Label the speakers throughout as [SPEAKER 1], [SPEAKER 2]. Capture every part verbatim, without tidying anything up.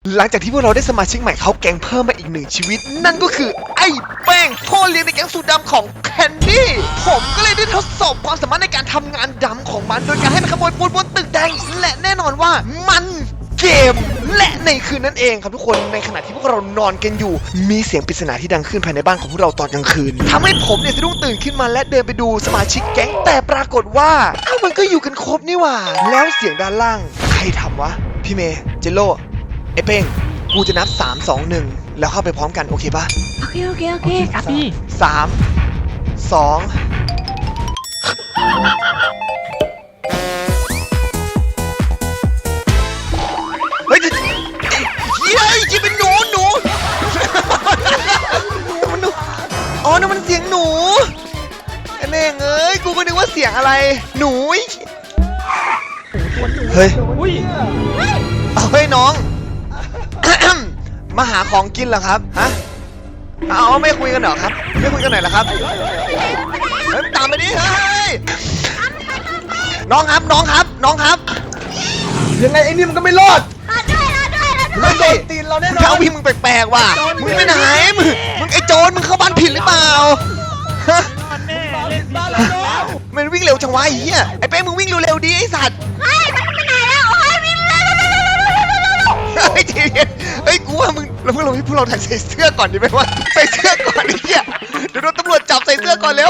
[SPEAKER 1] หลังจากที่พวกเราได้สมาชิกใหม่เขาแก๊งเพิ่มมาอีกหนึ่งชีวิตนั่นก็คือไอ้แป้งพ่อเลี้ยงในแก๊งสูตรดำของแคนดี้ผมก็เลยได้ทดสอบความสามารถในการทำงานดำของมันโดยการให้มันขโมยปูนบนตึกแดงและแน่นอนว่ามันเกมและในคืนนั้นเองครับทุกคนในขณะที่พวกเรานอนกันอยู่มีเสียงปริศนาที่ดังขึ้นภายในบ้านของพวกเราตอนกลางคืนทำให้ผมเนี่ยสะดุ้งตื่นขึ้นมาและเดินไปดูสมาชิกแก๊งแต่ปรากฏว่าอ้าวมันก็อยู่กันครบนี่หว่าแล้วเสียงด้านล่างใครทำวะพี่เมย์เจโร่ไอ้เป้งกูจะนับสาม สอง หนึ่งแล้วเข้าไปพร้อมกันโอเคปะ
[SPEAKER 2] โอเคโอเคโอเค
[SPEAKER 3] ครับพี่
[SPEAKER 1] สามสองเฮ้ยเฮ้ยจะเป็นหนูหนูมันหนูอ๋อนั่นมันเสียงหนูไอ้แม่งเอ้ยกูก็นึกว่าเสียงอะไรหนูเฮ้ย
[SPEAKER 3] อุ้ย
[SPEAKER 1] เอาเฮ้ยน้อง มาหาของกินเหรอครับฮะเอาไม่คุยกันเหรอครับไม่คุยกันหน่อยเหรอครับเฮ้ยตามไปดิเฮ้ยน้องครับน้องครับน้องครับยังไงไอ้นี่มันก็ไม่รอดไม่โดนตีนเราแน่นอนเขาวิ่งมึงแปลกๆว่ะมึงไปไหนมึงมึงไอ้โจรมึงเข้าบ้านผิดหรือเปล่าฮะ
[SPEAKER 3] แม่เล่นบ้านเรา
[SPEAKER 1] มันวิ่งเร็วจังวะไอ้เหี้ยไอ้เป้มึงวิ่งเร็วๆดิไอ้สัตว์เฮ้ยทีเดียวเฮ้ยกูว่ามึงเราพวกเราพวกเราถ่ายใส่เสื้อก่อนดีไหมวะใส่เสื้อก่อนไอ้เหี้ยเดี๋ยวโดนตำรวจจับใส่เสื้อก่อนเร็ว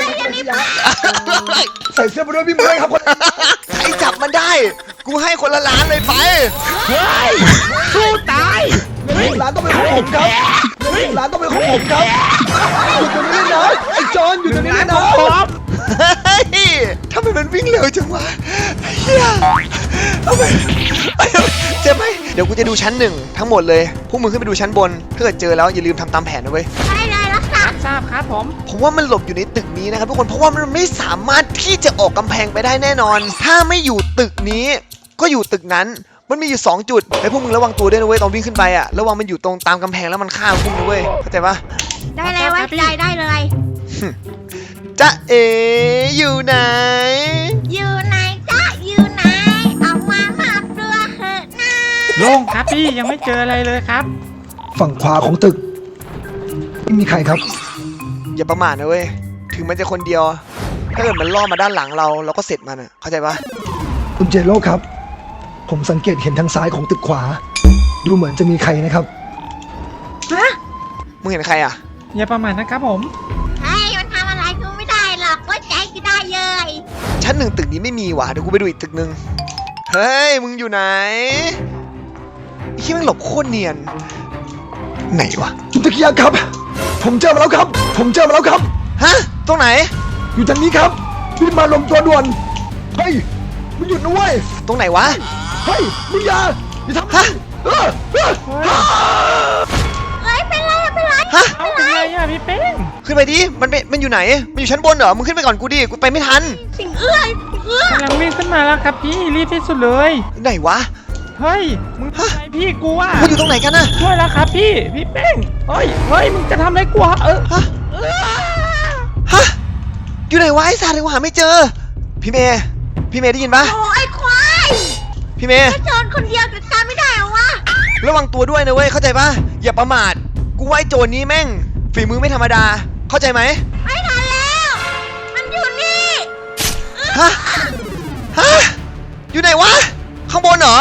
[SPEAKER 4] ใส่เสื้อไปด้วยพี่เมื่อยครับคน
[SPEAKER 1] ใครจับมันได้กูให้คนละล้านเลยไป
[SPEAKER 3] เฮ้ยสู้ตาย
[SPEAKER 4] ร้านต้องเป็นของผมครับร้านต้องเป็นของผมครับอยู่ตรงนี้นะไอ้จอนอยู่ตรงนี้
[SPEAKER 3] ร้าน
[SPEAKER 4] นะ
[SPEAKER 3] ของผม
[SPEAKER 1] เฮ้ยทำไมมันวิ่งเร็วจังวะเฮียทำไมเจ็บไหมเดี๋ยวกูจะดูชั้นหนึ่งทั้งหมดเลยพวกมึงขึ้นไปดูชั้นบนถ้าเกิดเจอแล้วอย่าลืมทำตามแผนนะเว้ย
[SPEAKER 2] ได้เลยรักษา
[SPEAKER 3] รับทราบครับผม
[SPEAKER 1] ผมว่ามันหลบอยู่ในตึกนี้นะครับทุกคนเพราะว่ามันไม่สามารถที่จะออกกำแพงไปได้แน่นอน ถ้าไม่อยู่ตึกนี้ก็อยู่ตึกนั้นมันมีอยู่สองจุดไอ้พวกมึงระวังตัวด้วยนะเว้ยตอนวิ่งขึ้นไปอะระวังมันอยู่ตรงตามกำแพงแล้วมันฆ่าพวกมึงนะเว้ยเข้าใจปะ
[SPEAKER 2] ได้เลยไว้ใจได้เลย
[SPEAKER 1] จ๊ะเอ๋อยู่ไหน
[SPEAKER 2] อยู่ไหนจ๊ะอยู่ไหนออกมามอบตัวเถอะนะ
[SPEAKER 3] โล่งครับพี่ยังไม่เจออะไรเลยครับ
[SPEAKER 4] ฝั่งขวาของตึกไม่มีใครครับ
[SPEAKER 1] อย่าประมาทนะเว้ยถึงมันจะคนเดียวถ้าเกิดมันล่อมาด้านหลังเราเราก็เสร็จมันอะเข้าใจปะ
[SPEAKER 4] คุณเจโร่ครับ ผมสังเกตเห็นทางซ้ายของตึกขวา ดูเหมือนจะมีใครนะครับ
[SPEAKER 2] ฮะ
[SPEAKER 1] มึงเห็นใครอะ
[SPEAKER 3] อย่าประมาทนะครับผม
[SPEAKER 2] เฮ้ยมันทำอะไรกูไม่ได้หรอกไว้ใจกูได้เลย
[SPEAKER 1] ชั้นหนึ่งตึกนี้ไม่มีว่ะเดี๋ยวกูไปดูอีกตึกหนึ่งเฮ้ยมึงอยู่ไหนไอ้ที่มึงหลบโคตรเนียนไหนวะ
[SPEAKER 4] จุดตะเกียงครับ ผมเจอมาแล้วครับ ผมเจอมาแล้วครับ
[SPEAKER 1] ฮะตรงไหน
[SPEAKER 4] อยู่ทางนี้ครับรีบมารวมตัวด่วนเฮ้ยมึงหยุดนะเว้ย
[SPEAKER 1] ตรงไหนวะ
[SPEAKER 4] เฮ้ยมึงอย่าอย่าทำ
[SPEAKER 1] ฮะ
[SPEAKER 4] เออเออ
[SPEAKER 2] เฮ้ยเป็นไรเป็นไร
[SPEAKER 1] ฮะ
[SPEAKER 3] เอาเป็นไรอ่ะพี่เป้ง
[SPEAKER 1] ขึ้นไปดิมันเป็นมันอยู่ไหนมันอยู่ชั้นบนเหรอมึงขึ้นไปก่อนกูดิกูไปไม่ทัน
[SPEAKER 2] สิ่งเอื้อยสิ่งเอื้อย
[SPEAKER 3] กำลังวิ่งขึ้นมาแล้วครับพี่รีบที่สุดเลย
[SPEAKER 1] ไหนวะ
[SPEAKER 3] เฮ้ยมึงทำอะไรพี่กูอ่ะ
[SPEAKER 1] มันอยู่ตรงไหนกันนะ
[SPEAKER 3] ช่วยแล้วครับพี่พี่เป้งเฮ้ยเฮ้ยมึงจะทำอะไรกูอะเออ
[SPEAKER 1] ฮะฮะอยู่ไหนวะไอ้สัตว์กูหาไม่เจอพี่เมย์พี่เมย์ได้ยินปะ
[SPEAKER 2] โอ้ยควาย
[SPEAKER 1] พี่เมย์
[SPEAKER 2] ถ้าโจรคนเดียวจัดการไม่ได้เหรอวะ
[SPEAKER 1] ระวังตัวด้วยนะเว้ยเข้าใจปะอย่าประมาทกูว่าไอ้โจรนี้แม่งฝีมือไม่ธรรมดาเข้าใจไหม
[SPEAKER 2] ไม่ทันแล้ว มันอยู่นี่
[SPEAKER 1] ฮะฮะอยู่ไหนวะข้างบนเหรอ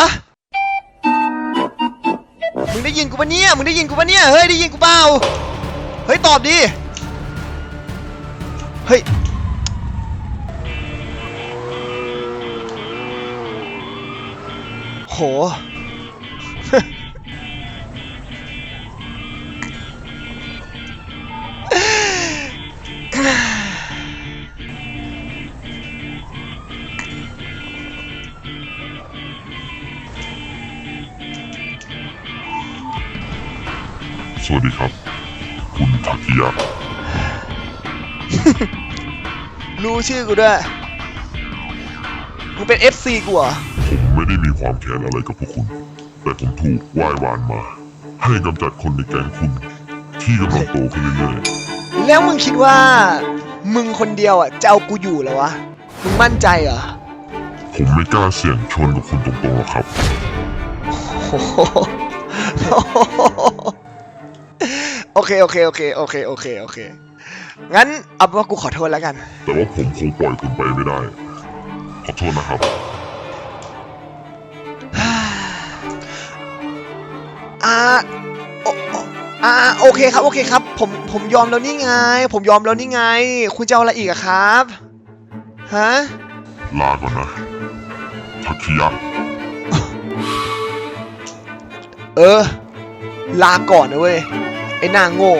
[SPEAKER 1] มึงได้ยินกูปะเนี่ยมึงได้ยินกูปะเนี่ยเฮ้ยได้ยินกูเปล่าเฮ้ยตอบดิเฮ้ยโห
[SPEAKER 5] สวัสดีครับ คุณทากิยะ
[SPEAKER 1] รู้ชื่อกูด้วยมึงเป็น เอฟ ซี กูเหรอ
[SPEAKER 5] ผมไม่ได้มีความแค้นอะไรกับพวกคุณ แต่ผมถูกว่ายหวานมา ให้กำจัดคนในแก๊งคุณ ที่กำลังโตขึ้นเรื่อยๆ
[SPEAKER 1] แล้วมึงคิดว่า มึงคนเดียวอ่ะจะเอากูอยู่เหรอวะมึงมั่นใจเหรอ
[SPEAKER 5] ผมไม่กล้าเสี่ยงชนกับคุณตรงๆหรอกครับ
[SPEAKER 1] โอ้โหโอเคโอเคโอเคโอเคโอเคโอเคงั้นเอาเป็นว่ากูขอโทษแล้วกัน
[SPEAKER 5] แต่ว่าผมคงปล่อยคุณไปไม่ได้ ขอโทษนะครับ
[SPEAKER 1] อ่าโอโออ่าโอเคครับโอเคครับผมผมยอมแล้วนี่ไง ผมยอมแล้วนี่ไง คุณจะเอาอะไรอีกอะครับฮะ
[SPEAKER 5] ลาก่อนนะทักคิยะ
[SPEAKER 1] เออ ลาก่อนนะเว้ยไอ้นางโง่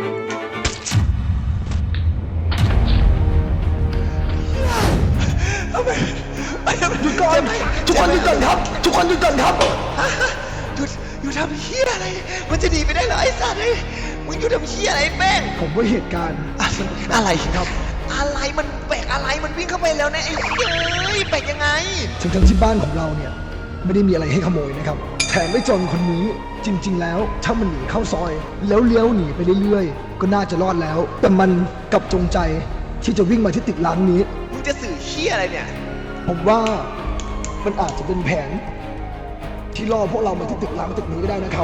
[SPEAKER 1] หยุดก่อนทุกคนหยุดก่อนครับทุกคนหยุดก่อนครับหยุดหยุดทำเหี้ยอะไรมันจะหนีไปได้เหรอไอ้สัตว์เอ้ยมึงหยุดทำเหี้ยอะไรไอ้แป้ง
[SPEAKER 4] ผมว่าเหตุการณ์
[SPEAKER 1] อะไรครับอะไรมันแปลกอะไรมันวิ่งเข้าไปแล้วนะไอ้เหี้ยเอ้ยแปลกยังไง
[SPEAKER 4] ทั้งๆที่บ้านของเราเนี่ยไม่ได้มีอะไรให้ขโมยนะครับแถมไม่จนคนนี้จริง ๆ แล้วถ้ามันหนีเข้าซอย แล้วเลี้ยวหนีไปเรื่อยๆก็น่าจะรอดแล้ว แต่มันกลับจงใจที่จะวิ่งมาที่ตึกร้างนี้
[SPEAKER 1] มึงจะสื่อเหี้ยอะไรเนี่ย
[SPEAKER 4] ผมว่ามันอาจจะเป็นแผน ที่ล่อพวกเรามาที่ตึกร้างตึกนี้ก็ได้นะครับ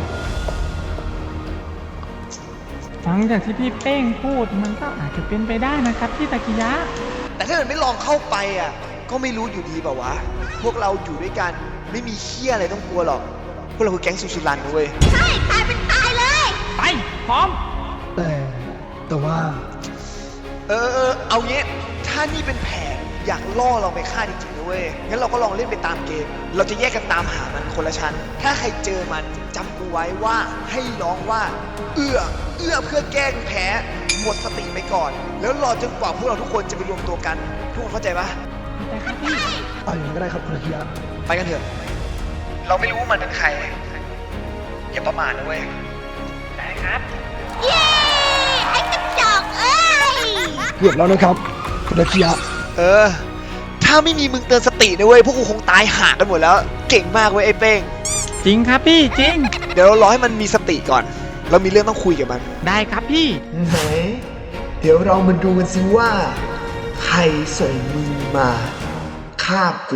[SPEAKER 3] ฟังจากที่พี่เป้งพูดมันก็อาจจะเป็นไปได้นะครับพี่ตะกิยะ
[SPEAKER 1] แต่ถ้ามันไม่ลองเข้าไปอ่ะก็ไม่รู้อยู่ดีเปล่าวะพวกเราอยู่ด้วยกันไม่มีเหี้ยอะไรต้องกลัวหรอกพวกเราคือแก๊งซูซูรันนะเว้ย
[SPEAKER 2] ใช่ตายเป็นตายเลย
[SPEAKER 3] ไป พร้อม
[SPEAKER 4] แต่แต่ว่า
[SPEAKER 1] เออเออเอางี้ถ้านี่เป็นแผนอยากล่อเราไปฆ่าจริงๆนะเว้ยงั้นเราก็ลองเล่นไปตามเกม เราจะแยกกันตามหามันคนละชั้นถ้าใครเจอมันจำกูไว้ว่าให้ร้องว่า เอื้อเอื้อเพื่อแกล้งแพ้หมดสติไปก่อน แล้วรอจนกว่าพวกเราทุกคนจะไปรวมตัวกันทุกคนเข้าใจปะ
[SPEAKER 3] แต่ครับพี่
[SPEAKER 4] เอาอย่างนี้ก็ได้ครับคุณอาคิยะ
[SPEAKER 1] ไปกันเถอะ เราไม่รู้ว่ามันเป็นใคร อย่าประมาทนะเว้ย
[SPEAKER 3] ได้ครับ
[SPEAKER 2] เย้ ไอ้กระจอกเอ้ย
[SPEAKER 4] เกือบแล้วนะครับคุณอาคิยะ
[SPEAKER 1] เออ ถ้าไม่มีมึงเตือนสตินะเว้ย พวกกูคงตายห่ากันหมดแล้ว เก่งมากเว้ยไอ้เป้ง
[SPEAKER 3] จริงครับพี่จริง
[SPEAKER 1] เดี๋ยวเรารอให้มันมีสติก่อน เรามีเรื่องต้องคุยกับมัน
[SPEAKER 3] ได้ครับพี่
[SPEAKER 1] ไหน เดี๋ยวเรามาดูกันสิว่า ใครส่งมึงมาฆ่ากู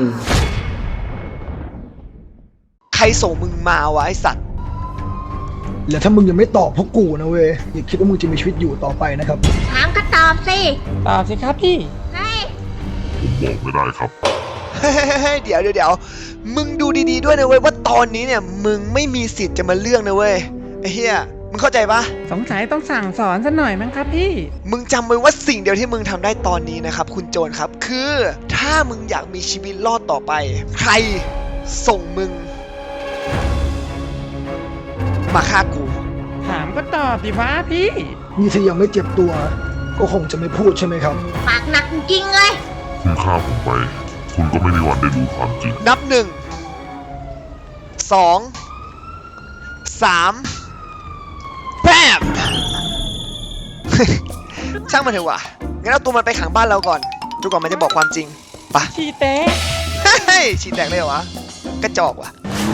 [SPEAKER 1] ใครส่งมึงมาวะไอสัตว์
[SPEAKER 4] แล้วถ้ามึงยังไม่ตอบพวกกูนะเว้ยอย่าคิดว่ามึงจะมีชีวิตอยู่ต่อไปนะครับ
[SPEAKER 2] ถามก็ตอบสิ
[SPEAKER 3] ตอบสิครับพี่
[SPEAKER 2] เฮ้ย
[SPEAKER 5] ผมบอกไม่ได้ครับ
[SPEAKER 1] เฮ้ยเดี๋ยวเดี๋ยวเดี๋ยวมึงดูดีๆด้วยนะเว้ยว่าตอนนี้เนี่ยมึงไม่มีสิทธิ์จะมาเลือกนะเว้ยไอ้เหี้ยมึงเข้าใจปะ
[SPEAKER 3] สงสัยต้องสั่งสอนสักหน่อยมั้งครับพี่
[SPEAKER 1] มึงจำไว้ว่าสิ่งเดียวที่มึงทำได้ตอนนี้นะครับคุณโจรครับคือถ้ามึงอยากมีชีวิตรอดต่อไป ใครส่งมึง มาฆ่ากู
[SPEAKER 3] ถามก็ตอบดิวะพี่
[SPEAKER 4] นี่ถ้ายังไม่เจ็บตัว ก็คงจะไม่พูดใช่ไหมครับ
[SPEAKER 2] ปากหนักจริงๆเลย
[SPEAKER 5] คุณฆ่าผมไป คุณก็ไม่มีวันได้รู้ความจริง
[SPEAKER 1] นับหนึ่งสองสามแป๊บ ช่างมันเถอะวะงั้นเอาตัวมันไปขังบ้านเราก่อนจนกว่ามันจะบอกความจริงไปะ
[SPEAKER 3] ชีเต้
[SPEAKER 1] เฮ้ยฉีดแตกเลยเหรอวะกระจอกว่ะ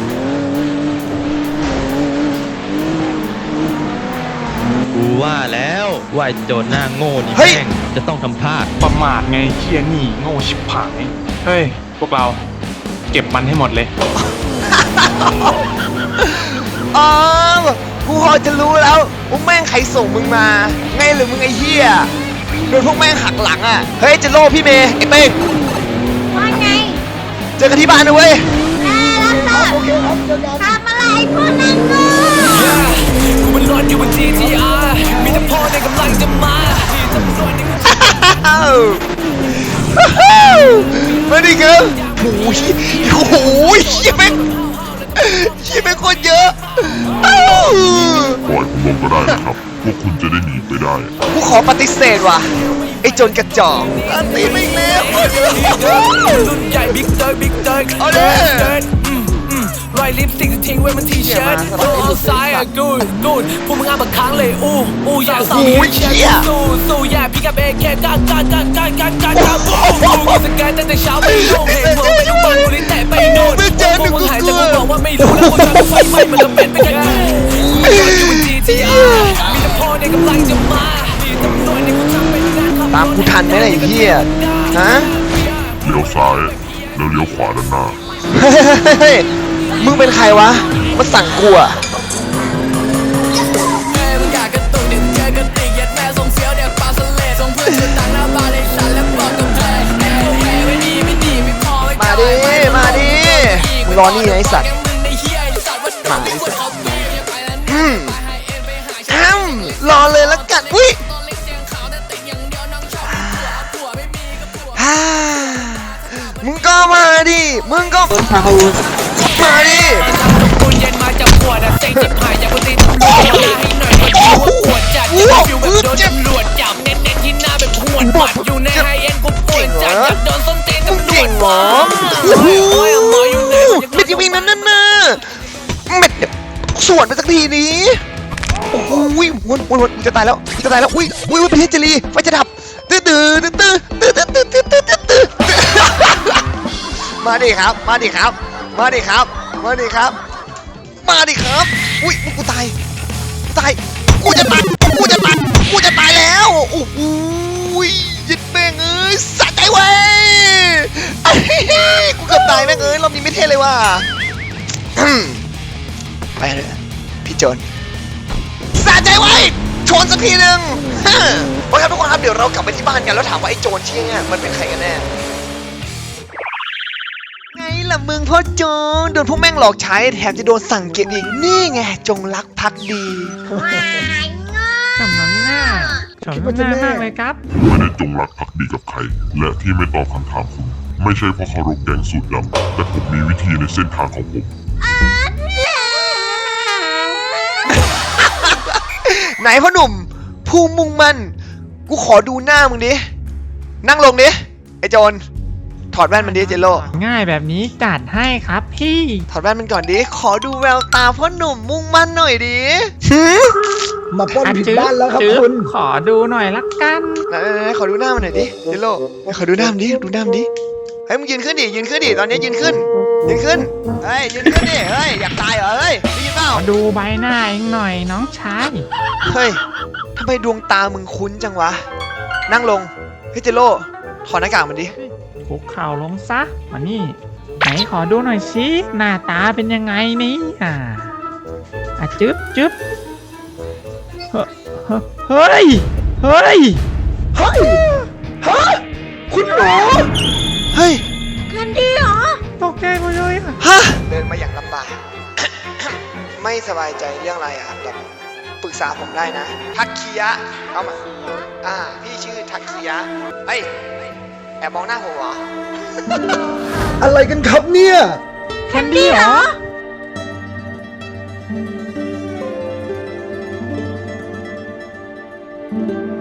[SPEAKER 6] กูว่าแล้วว่าไอ้โจรหน้าโง่นี่
[SPEAKER 1] เฮ้ย
[SPEAKER 6] แม่งจะต้องทำพลาด
[SPEAKER 7] ประมาทไงเคียนี่โง่ชิบหาย เฮ้ย พวกเราเก็บมันให้หมดเลย
[SPEAKER 1] อ๋อกูพอจะรู้แล้วว่าแม่งใครส่งมึงมา ไงหรือมึงไอ้เหี้ยโดนพวกแม่งหักหลังอ่ะ เฮ้ยเจะโล่พี่เมย์ไอ้เป้ง
[SPEAKER 2] ว่าไง
[SPEAKER 1] เจอกันที่บ้านนะเว้ย
[SPEAKER 2] แล้โอเคครับเจอกันทำอะไรพวกนั้นกู
[SPEAKER 8] กูมันร้อนอยู่บน จี ที อาร์ มีแต่พ่อในกำลังจะมาที่ตำรวจใน
[SPEAKER 1] มาดิครับโอ้ยโอ้โหเหี้ยแม่งเหี้ยแม่งคนเยอะอ้าว
[SPEAKER 5] ปล่อยผมลงก็ได้นะครับ พวกคุณจะได้หนีไปได้
[SPEAKER 1] กูขอปฏิเสธว่ะ ไอ้โจนกระจอกอันตีไม่เลี้ย
[SPEAKER 8] รุ่นใหญ่บิ๊กเติร์ดบิ๊กเติร์ด
[SPEAKER 1] เอาดิ
[SPEAKER 8] รอยลิปสติกจะทิ้งไว้บนทีเชิ้ตโอ้เอาซ้ายอ่ะกูดกูดพวกมึงอ่ะบักค้างเลยอู้อู้อยากสู้สู้สู้อย่าพี่กับเอแค่ก้านก้านก้านก้านก้านก้านก้านกูกูสแกนตั้งแต่เช้าไปโน่เห็นเมืองปัจจุบันกูลิ้นแตะไปโน่นพวกมึงหายแต่กูบอกว่าไม่รู้แล้วกูจะไฟไหม้มันละเป็นไปกันกูอยู่บน จี ที อาร์ มีแต่พ่อในกำลังจะมาที่ตำรวจในกูทำเป็นงานขับ
[SPEAKER 1] ตามกูทันไหมล่ะไอ้เหี้ยฮะ
[SPEAKER 5] เลี้ยวซ้าย แล้วเลี้ยวขวาด้านหน้า
[SPEAKER 1] เฮ้ยมึงเป็นใครวะ มาสั่งกูอะรอนี่ไงไอ้สัตว์มาไอ้สัตว์อืมอ้าวรอเลยละกันอุ้ยฮ่ามึงก็มาดิมึงก็มาดิ
[SPEAKER 8] คุณเย็นมาจากขวดอะเซ็งจิบหายจากคนตีตำรวจมาให้หน่อยก็ดูว่าปวดจัดจะฟิวแบบโดนตำรวจจับเน้นๆที่หน้าแบบหวดหมัดอยู่ในไฮเอ็นกูปวดจัดอยากโดนส้นตีนตำรวจหมอโอ้ยหมออยู่ไหน
[SPEAKER 1] เม็ดยังวิ่งนั่นนั่นน่ะเม็ดเนี่ยสวนไปสักทีนี้โอ้โหวนวนวนจะตายแล้วจะตายแล้วอุ้ยอุ้ยประเทศเจลีไฟจะดับตื้อตื้อตื้อตื้อตื้อตื้อตื้อตื้อตื้อตื้อมาดิครับมาดิครับมาดิครับมาดิครับมาดิครับอุ้ยกูตายกูตายกูจะตายกูจะตายกูจะตายแล้วโอ้โหยิดแม่งเอ้ยสะใจเว้ยกูเกือบตายแม่งเอ้ยรอบนี้ไม่เท่เลยว่ะไปเลยพี่โจนสะใจไว้ชนสักทีหนึ่งโอเคครับทุกคนครับเดี๋ยวเรากลับไปที่บ้านกันแล้วถามว่าไอ้โจรที่เนี่ยมันเป็นใครกันแน่ไงล่ะมึงพ่อโจรโดนพวกแม่งหลอกใช้แถมจะโดนสั่งเก็บอีกนี่ไงจงรักภักดี
[SPEAKER 2] วายงอ
[SPEAKER 3] สำน้ำหน้าสำน้ำหน้ามากเลยครับ
[SPEAKER 5] ไม่ได้จงรักภักดีกับใคร และที่ไม่ตอบคำถามคุณ ไม่ใช่เพราะเคารพแก๊งสูตรดำแต่ผมมีวิธีในเส้นทางของผม
[SPEAKER 1] ไหนพ่อหนุ่มผู้มุ่งมั่นกูขอดูหน้ามึงดินั่งลงดิไอ้โจรถอดแว่นมันดิเจโร่
[SPEAKER 3] ง่ายแบบนี้จัดให้ครับพี่
[SPEAKER 1] ถอดแว่นมันก่อนดิขอดูแววตาพ่อหนุ่มมุ่งมั่นหน่อยดิหืม
[SPEAKER 4] มาปล้นผิด
[SPEAKER 3] จึ๊
[SPEAKER 4] บ้านแล้วครับ
[SPEAKER 3] จึ๊
[SPEAKER 4] คุณ
[SPEAKER 3] ขอดูหน่อยละกัน
[SPEAKER 1] ไหนๆๆขอดูหน้ามันหน่อยดิเจโร่ขอดูหน้ามันดิดูหน้ามันดิเฮ้ยมึงยืนขึ้นดิยืนขึ้นดิตอนนี้ยืนขึ้นยืนขึ้นเฮ้ยยืนขึ้นดิเฮ้ยอยากตายเหรอเฮ้ยได้ยินเปล่า
[SPEAKER 3] ขอดูใบหน้าเองหน่อยน้องชาย
[SPEAKER 1] เฮ้ยทำไมดวงตามึงคุ้นจังวะนั่งลงเฮ้ยเจโร่ถอดหน้ากากมันดิ
[SPEAKER 3] คุกเข่าลงซะมานี่ไหนขอดูหน่อยสิหน้าตาเป็นยังไงนี่อ่าอ่ะจึ๊บจึ๊บเฮ้ยเฮ้ยเฮ้ย
[SPEAKER 4] เฮ้ย ฮะ คุณหมอ
[SPEAKER 1] เฮ้ย
[SPEAKER 2] แคนดี้เหรอ
[SPEAKER 3] ตกใจหมดเลยอ่ะ
[SPEAKER 1] ฮะเดินมาอย่างลำบาก ไม่สบายใจเรื่องอะไรอะครับแบบปรึกษาผมได้นะ ทักคียะเข้ามาอ่าพี่ชื่อทักคียะเฮ้ยแอบมองหน้าผมเหรอ
[SPEAKER 4] อะไรกันครับเนี่ย
[SPEAKER 3] แคนดี้เหรอ
[SPEAKER 2] แ